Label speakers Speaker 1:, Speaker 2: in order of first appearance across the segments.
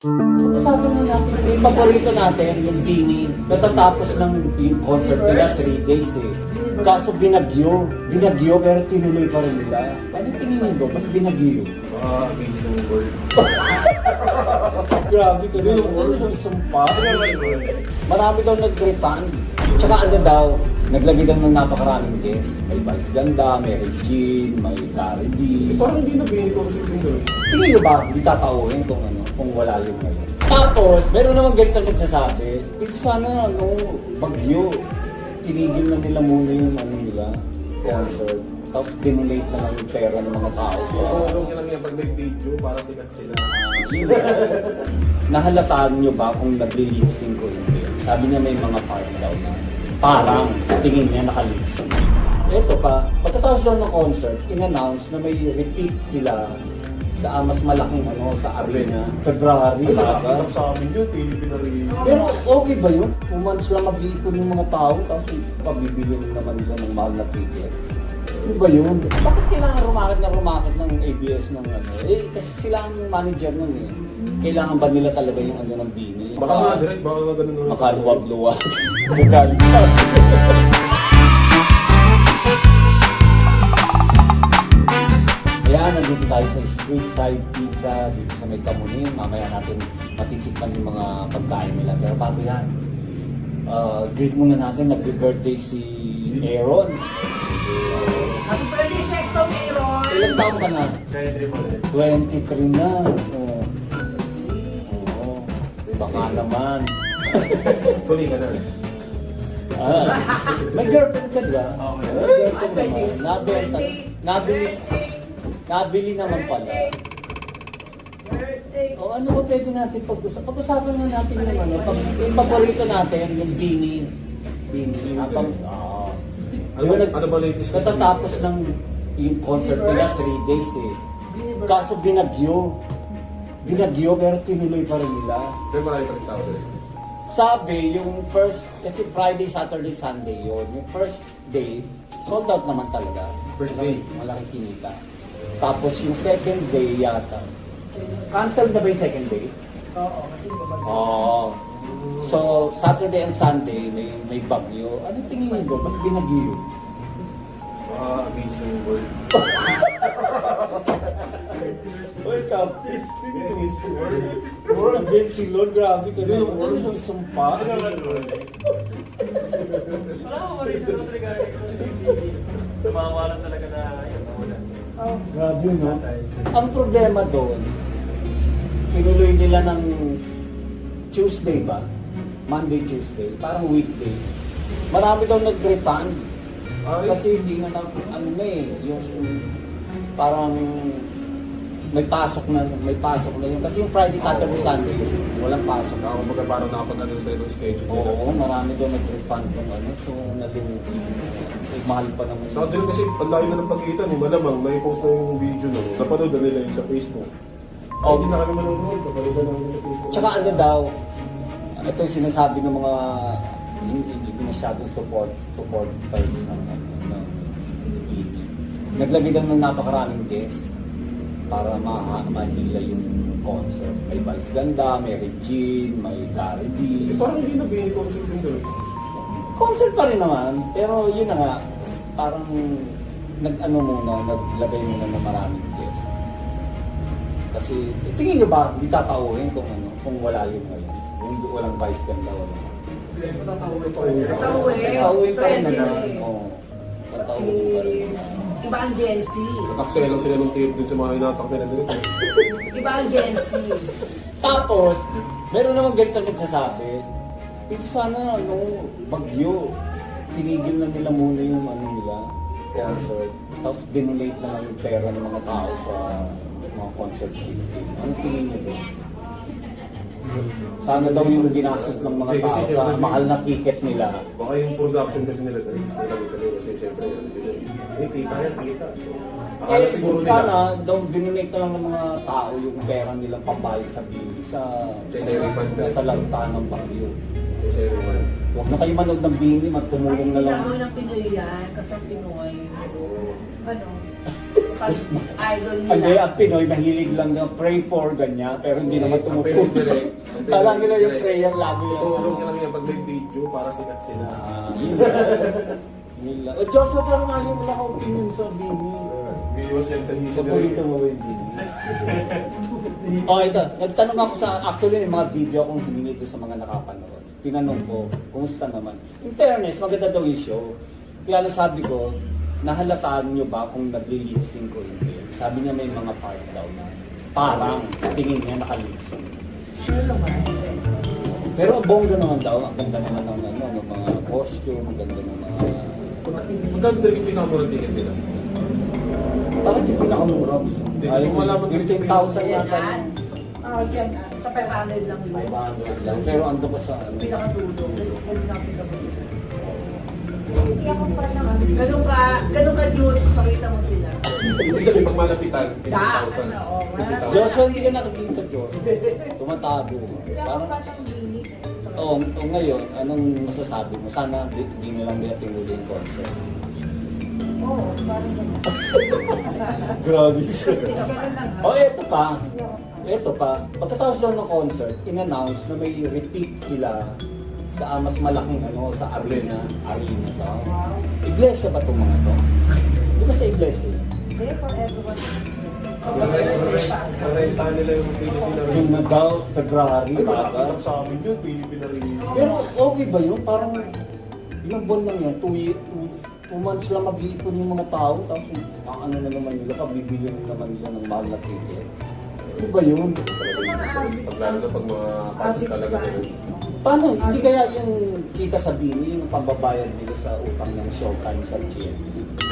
Speaker 1: Pag-usapan na natin, yung paborito natin, yung Bini. Katatapos ng yung concert nila, 3 days eh. Kaso binagyo pero tinuloy pa rin nila. Ano tingin mo? Ba't binagyo?
Speaker 2: Against the world.
Speaker 1: Grabe ka rin. Ano yung sumpa? Marami daw nag-refund. Tsaka ano daw, naglagay daw ng napakaraming guest. May Vice Ganda, may Regine, may Gary D.
Speaker 2: Parang hindi na Bini ko kasi Bini.
Speaker 1: Tingin nyo ba, hindi tatauhin kung wala yun ngayon? Tapos, meron naman ganito nagsasabi, ito sana, bagyo. Tinigil na nila muna yung nila, concert. Tapos dinonate na lang yung pera ng mga tao.
Speaker 2: Tulong nila nga pag may video para sikat sila.
Speaker 1: Nahalataan nyo ba kung nagli-lip-sync ko hindi? Sabi niya may mga part daw na parang tingin niya naka-lip-sync. Ito pa, pagkatapos daw ng concert, in-announce na may repeat sila sa mas malaking sa arena. February,
Speaker 2: Nakakita sa amin yun, Philippine Arena.
Speaker 1: pero okay ba yun? 2 months lang mag-iipon yung mga tao, tapos pabibili naman nila ng mahal na ticket. Ano ba yun? Bakit kailangan rumakit ng ABS ng kasi sila ang manager nun eh. Kailangan ba nila talaga yung ng Bini?
Speaker 2: Baka nga direct, baka nga ganun.
Speaker 1: Makaluwag-luwag. Bugalit. Kaya nandito tayo sa Street Side Pizza dito sa May Kamuning. Mamaya natin matitikman yung mga pagkain nila. Pero bago yan, greet muna natin, nag-birthday si Aaron.
Speaker 3: Happy birthday, Sexto Aaron!
Speaker 1: Ilang taon ka na? 23 na. Oo. Baka naman.
Speaker 2: Tuloy ka na.
Speaker 1: May girlfriend ka diba?
Speaker 3: Oo.
Speaker 1: May girlfriend
Speaker 3: Birthday.
Speaker 1: naman. Nabili naman pala.
Speaker 3: Birthday!
Speaker 1: O ano ba pwede natin pag-usapan? Pag-usapan na natin yung yung paborito natin, yung Bini. Bini.
Speaker 2: Ano ba latest?
Speaker 1: Katatapos ng yung concert nila, 3 days eh. Kaso binagyo pero tinuloy pa rin nila.
Speaker 2: Pero marami pa rin tao sila.
Speaker 1: Sabi, yung first, kasi Friday, Saturday, Sunday yun. Yung first day, sold out naman talaga.
Speaker 2: First day?
Speaker 1: Malaki kinita. Tapos yung second day yata. Cancel na ba yung second day?
Speaker 3: Oo, kasi babag.
Speaker 1: Oo. So, Saturday and Sunday, may bagyo. Ano tingin mo? Ba't binagyo?
Speaker 2: Against the world.
Speaker 1: Oy, Captain.
Speaker 2: Against the world.
Speaker 1: More against si Lord, grabe ka na.
Speaker 2: Yung
Speaker 1: Ano yung sumpa?
Speaker 3: Wala ko rin sa regarding tumawalan talaga na yun.
Speaker 1: Grabe no? Ang problema doon, tinuloy nila ng Tuesday ba? Monday, Tuesday, parang weekday. Marami daw nag-refund. Kasi hindi na yung parang may pasok na yun. Kasi yung Friday, Saturday, Sunday, walang pasok.
Speaker 2: Ako baga parang nakapag-ano sa yung schedule nila.
Speaker 1: Oo, marami daw nag-refund ng so mahal pa naman.
Speaker 2: Sa atin kasi, ang layo na ng pagkita ni Malamang, na-post na yung video no. Napanood na nila yun sa Facebook.
Speaker 1: Oh.
Speaker 2: Hindi na kami manonood, napanood na namin sa Facebook.
Speaker 1: Tsaka ano daw, ito yung sinasabi ng mga hindi masyadong support pa rin ng BB. Naglagay daw ng napakaraming guest para mahila yung concert. May Vice Ganda, may Regine, may Gary D.
Speaker 2: Parang hindi na Bini ko kasi Bini.
Speaker 1: Concert pa rin naman, pero yun na nga, parang naglagay muna ng maraming guest. Kasi, tingin nyo ba, hindi tatauhin kung wala yun ngayon? Kung walang Vice Ganda, wala. Tatauhin pa rin naman. Oo. Tatauhin pa rin naman.
Speaker 3: Iba ang Gen Z.
Speaker 2: Nataksaya lang sila ng tape dun sa mga hinatak nila dito.
Speaker 3: Iba ang Gen Z.
Speaker 1: Tapos, meron naman ganito nagsasabi, ito sana, bagyo. Tinigil na nila muna yung nila, concert. Tapos dinonate na lang yung pera ng mga tao sa mga concert ticket. Ano tingin niyo doon? Sana daw yung ginastos ng mga
Speaker 2: Kasi
Speaker 1: tao sa
Speaker 2: siyempre,
Speaker 1: mahal na ticket nila.
Speaker 2: Baka yung production kasi nila dun, gusto nila dito kasi siyempre, kita yan, kita. Akala siguro nila.
Speaker 1: Sana daw dinonate na lang ng mga tao yung pera nilang pambayad sa bili sa lanta ng bagyo.
Speaker 2: Kasi everyone.
Speaker 1: Huwag na kayo manood ng bini, magtumulong na lang.
Speaker 3: Kailangan ng Pinoy yan, kasi ang Pinoy. Ano?
Speaker 4: pag idol nila.
Speaker 1: Hindi, ang Pinoy, mahilig lang ng pray for, ganyan, pero hindi naman
Speaker 2: Ang Pinoy
Speaker 1: tumutulong.
Speaker 2: direct.
Speaker 1: Kala nila yung prayer lagi yan.
Speaker 2: Tutulong niya lang yan pag may video para sikat sila.
Speaker 1: Yun lang. Yun lang. O Diyos, na parang ayaw mo lang akong opinion sa Bini.
Speaker 2: Viewers yan sa news.
Speaker 1: Sa pulito mo yung Bini. Ito. Nagtanong ako sa, actually, yung mga video akong hiningi doon sa mga nakapanood. Tinanong ko, kumusta naman? In fairness, maganda daw yung show. Kaya nasabi ko, nahalataan nyo ba kung nagli-lip-sync ko hindi? Sabi niya may mga part daw na parang tingin niya naka-lip-sync.
Speaker 4: Sure naman.
Speaker 1: Pero ang bongga naman daw, ang ganda naman ng, ano, ng mga costume, ang ganda ng mga...
Speaker 2: Magkano talaga yung pinakamurang ticket nila?
Speaker 1: Bakit yung pinakamura?
Speaker 2: Hindi, gusto ko malaman
Speaker 1: yung
Speaker 2: dito
Speaker 1: 10,000 yata.
Speaker 4: Yan. Diyan, sa 500 lang yun.
Speaker 1: 500 lang. Pero ando ko sa ano.
Speaker 4: Pinakatulong. Ganun na pinakatulong. Hindi ako pa naman. Ganun ka, Jules, pakita mo sila.
Speaker 2: Ibig sabihin, pag malapitan,
Speaker 4: Da,
Speaker 2: 50,000.
Speaker 4: ano, oh, wala.
Speaker 1: Diyos, hindi ka nakikita, Diyos. Tumatago.
Speaker 4: Hindi ako
Speaker 1: Parang,
Speaker 4: pa ng binig.
Speaker 1: Oo, ngayon, anong masasabi mo? Sana di na lang nila tinuli yung concert.
Speaker 4: Oo, parang ganun.
Speaker 1: Grabe.
Speaker 4: Ganun lang.
Speaker 1: Oh, eto pa. Eto pa. Pagkatapos daw ng concert, in-announce na may repeat sila sa mas malaking ano, sa arena. Arena to.
Speaker 4: Wow.
Speaker 1: Iglesia ba itong mga to? Di ba sa iglesia?
Speaker 4: There for everyone.
Speaker 2: Narentahan nila yung Philippine na
Speaker 1: Yung na daw, February,
Speaker 2: Ay,
Speaker 1: agad.
Speaker 2: nakakita sa amin yun, Philippine na rin.
Speaker 1: Pero okay ba yun? Parang ilang buwan lang yan, 2 months lang mag-iipon yung mga tao, tapos ang ano na naman nila, pabibili naman nila ng mahal na ticket. Ano ba yun?
Speaker 2: Pag lalo na pag mga fans talaga na yun.
Speaker 1: Paano? Hindi kaya yung kita sa Bini, yung pambabayad nila sa utang ng showtime sa GMA?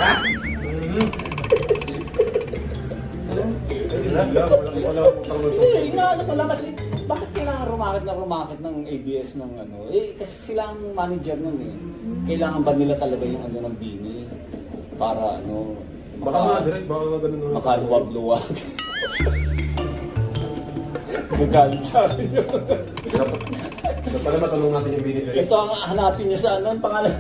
Speaker 2: Wala akong utang na
Speaker 1: Hindi, inaano ko lang kasi bakit kailangan rumakit ng ABS ng ano? Eh, kasi sila ang manager nun eh. Kailangan ba nila talaga yung ano ng Bini? Para ano,
Speaker 2: Baka nga, direct, baka nga ganun naman.
Speaker 1: makaluwag-luwag. Gagalit sa akin yun.
Speaker 2: Dapat pala matanong natin yung binili.
Speaker 1: Ito ang hanapin niyo sa ano, ang pangalan.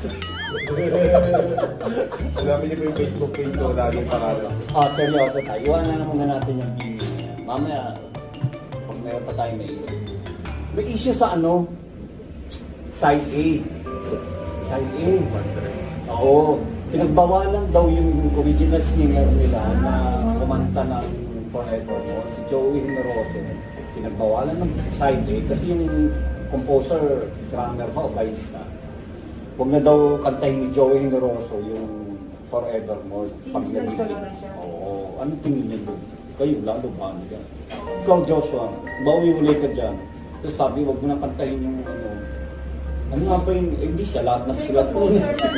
Speaker 2: Hanapin niyo po yung Facebook page ko, laging pangalan.
Speaker 1: Seryoso tayo. Iwanan na muna natin yung Bini. Mamaya, pag meron pa tayo naisip. May issue sa ano? Side A. Side A. Oo. Pinagbawalan daw yung original singer nila na kumanta ng Forevermore, si Joey Generoso. Pinagbawalan ng side A kasi yung composer, drummer ba o bassista. Huwag na daw kantahin ni Joey Generoso yung Forevermore.
Speaker 4: Since nagsolo na siya.
Speaker 1: Oo. Ano tingin niyo doon? Kayo, lalo ba? Ikaw, Joshua, bawi-uli ka dyan. Tapos sabi, huwag mo na kantahin yung ano. Ano nga ba yung, hindi siya, lahat ng sulat po.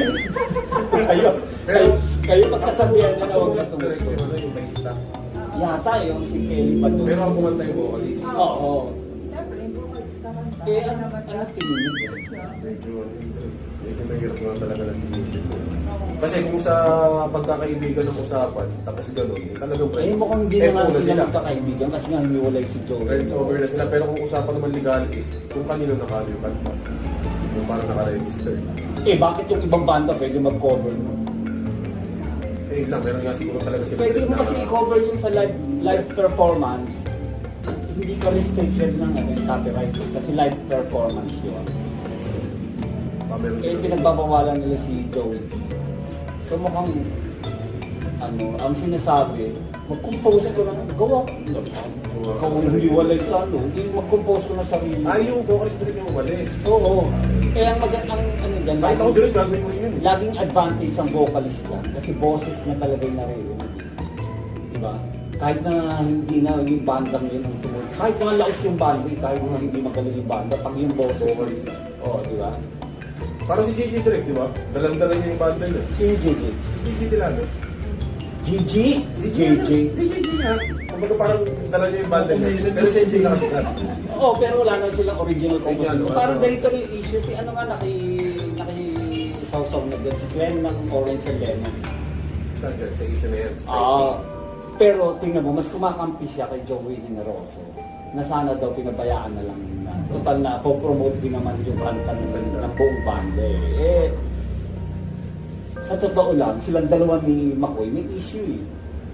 Speaker 1: kayo pagsasabihan na huwag na
Speaker 2: direct yung
Speaker 1: tumutulog.
Speaker 2: ano, yung bassista.
Speaker 1: Yata yung si Kelly pa doon.
Speaker 2: Pero ang kumanta yung vocalist.
Speaker 1: Oo.
Speaker 4: Siyempre, yung vocals naman.
Speaker 1: Eh, ano tingin niyo?
Speaker 2: Medyo mahirap nga talaga ng decision. Kasi kung sa pagkakaibigan ng usapan, tapos gano'n, talagang
Speaker 1: Eh, mukhang hindi na nga
Speaker 2: muna
Speaker 1: sila magkakaibigan kasi nga hiniwalay si Joey.
Speaker 2: Friends over na sila. Pero kung usapan naman legalities, kung kanino nakano yung kanta. Yung parang nakaregister.
Speaker 1: Eh, bakit yung ibang banda pwede mag-cover mo?
Speaker 2: Eh, lang, meron nga siguro talaga sila.
Speaker 1: Pwede mo kasi i-cover yun sa live performance. Hindi ka restricted ng ano, yung copyright kasi live performance yun.
Speaker 2: Meron
Speaker 1: Eh,
Speaker 2: sila.
Speaker 1: pinagbabawalan nila si Joey. So mukhang, ano, ang sinasabi, mag-compose ko na, gawa ko. Ikaw ang hindi walay sa ano, hindi mag-compose ko na sarili.
Speaker 2: Ay, yung vocalist din yung umalis.
Speaker 1: Oo. Eh, ang ano dyan,
Speaker 2: Kahit ako direct, gagawin mo rin yun.
Speaker 1: laging advantage ang vocalist niya kasi boses niya talaga yung naririnig. Diba? Kahit na hindi na yung bandang yun ang tumulong. Kahit na lakas yung banda, kahit na hindi magaling yung banda, pag yung boses, oo, diba?
Speaker 2: Parang si JJ direct, di ba? Dalang-dala niya yung banda niya.
Speaker 1: Sino yung JJ?
Speaker 2: Si JJ Dilano.
Speaker 1: GG? JJ?
Speaker 2: JJ niya. Kumbaga parang dala niya yung banda niya. Pero siya hindi nakasikat.
Speaker 1: Oo, pero wala na silang original composition.
Speaker 2: Original,
Speaker 1: Parang
Speaker 2: ano.
Speaker 1: ganito rin yung issue. Si ano nga, naki-sawsaw na dyan. Si Glenn ng Orange and Lemon.
Speaker 2: Sa issue na yan.
Speaker 1: Pero tingnan mo, mas kumakampi siya kay Joey Generoso na sana daw pinabayaan na lang na total na po-promote din naman yung kanta ng buong banda eh. Sa totoo lang, silang dalawa ni McCoy may issue eh.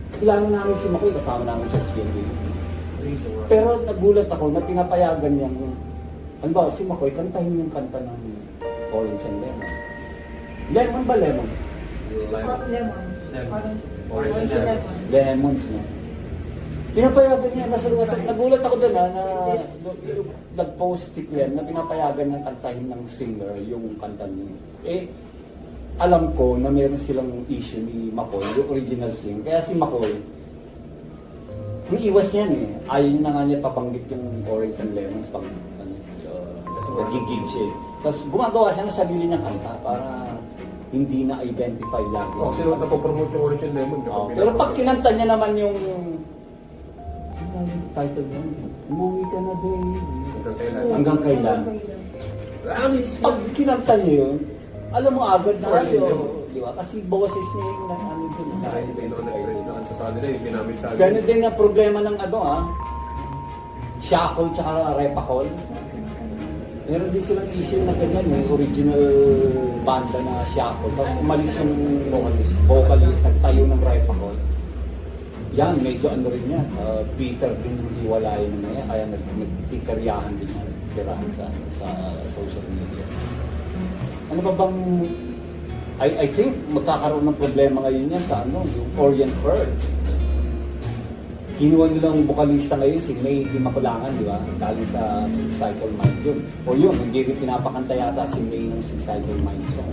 Speaker 1: kilala namin si Makoy, kasama namin sa GMA.
Speaker 2: Reason nga.
Speaker 1: Pero nagulat ako na pinapayagan niyang, ano ba, si Makoy, kantahin yung kanta ng Orange and Lemon. Lemon ba Lemons?
Speaker 2: Lemon.
Speaker 4: Lemons. Parang
Speaker 3: Orange and
Speaker 4: lemon.
Speaker 1: Lemons, no? Pinapayagan niya, nagulat ako doon na nag-post si Glenn na pinapayagan niyang kantahin ng singer yung kanta niya. Eh, alam ko na meron silang issue ni McCoy, yung original singer. Kaya si McCoy, iiwas niyan eh. Ayaw niya na nga niya pabanggit yung Orange and Lemons pag nagigig siya eh. Tapos gumagawa siya ng sarili niyang kanta para hindi na-identify lagi.
Speaker 2: Oh, kasi nung napopromote yung Orange and Lemon.
Speaker 1: Oh, pero pag kinanta niya naman yung ano yung title niya? Umuwi ka na, baby.
Speaker 2: Hanggang kailan?
Speaker 1: Hanggang kailan? Pag kinanta niya yun, alam mo agad na
Speaker 2: Orange and
Speaker 1: kayo.
Speaker 2: Lemon.
Speaker 1: Di ba? Kasi boses niya yung ano dun.
Speaker 2: Saka yung pinaka-nag-trend sa kanta sa kanila, yung ginamit sa akin.
Speaker 1: Ganun din na problema ng ano Shackle tsaka Repacol. Meron din silang issue na ganyan eh, original banda na Shackle. Tapos umalis yung vocalist, nagtayo ng Repacol. Yan, medyo ano rin yan. Peter din hiwalayan na yan, kaya nagtikaryahan din yan, tirahan sa social media. Ano ba bang, I think magkakaroon ng problema ngayon yan sa ano, yung Orient Pearl. Kinuha nilang vocalista ngayon, si May Di Makulangan, di ba? Galing sa Six Cycle Mind yun. O yun, hindi rin pinapakanta yata si May ng Six Cycle Mind song.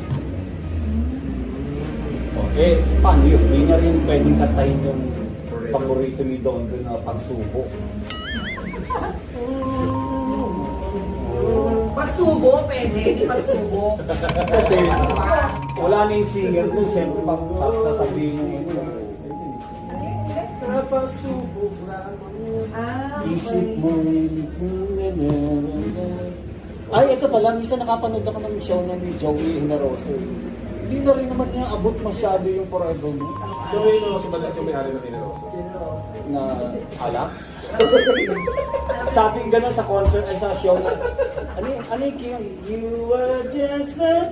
Speaker 1: O, paano yun? Hindi na rin pwedeng kantahin yung paborito ni Don doon na Pagsubo.
Speaker 4: Pagsubo, pwede. Di pagsubo.
Speaker 1: Kasi wala na yung singer doon, siyempre sasabihin mo yun.
Speaker 2: Pagsubo,
Speaker 1: Isip mo ay, ito pala, minsan nakapanood ako ng show niya ni Joey Generoso. Hindi na rin naman niya abot masyado yung Forever Mo
Speaker 2: So, yun ako si Balat yung may-ari ng Kineroso.
Speaker 1: na alak. Sabi gano'n sa concert, ay sa show na, ano yung king? You were just a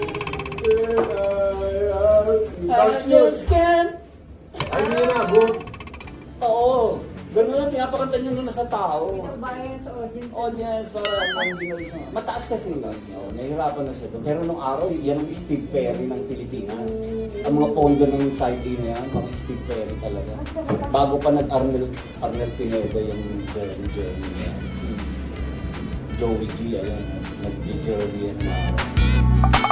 Speaker 1: I just can't.
Speaker 2: Ay, hindi niya naabot.
Speaker 1: Oo. Ganun lang, pinapakanta niya nun sa tao.
Speaker 4: Bayan sa audience.
Speaker 1: Audience, para mataas kasi yun. Nahihirapan na siya doon. Pero nung araw, yan ang Steve Perry ng Pilipinas. Ang mga pondo ng side A na yan, mga Steve Perry talaga. Bago pa nag-Arnel Pineda yung journey niya. Si Joey G, ayan, nag-journey yan na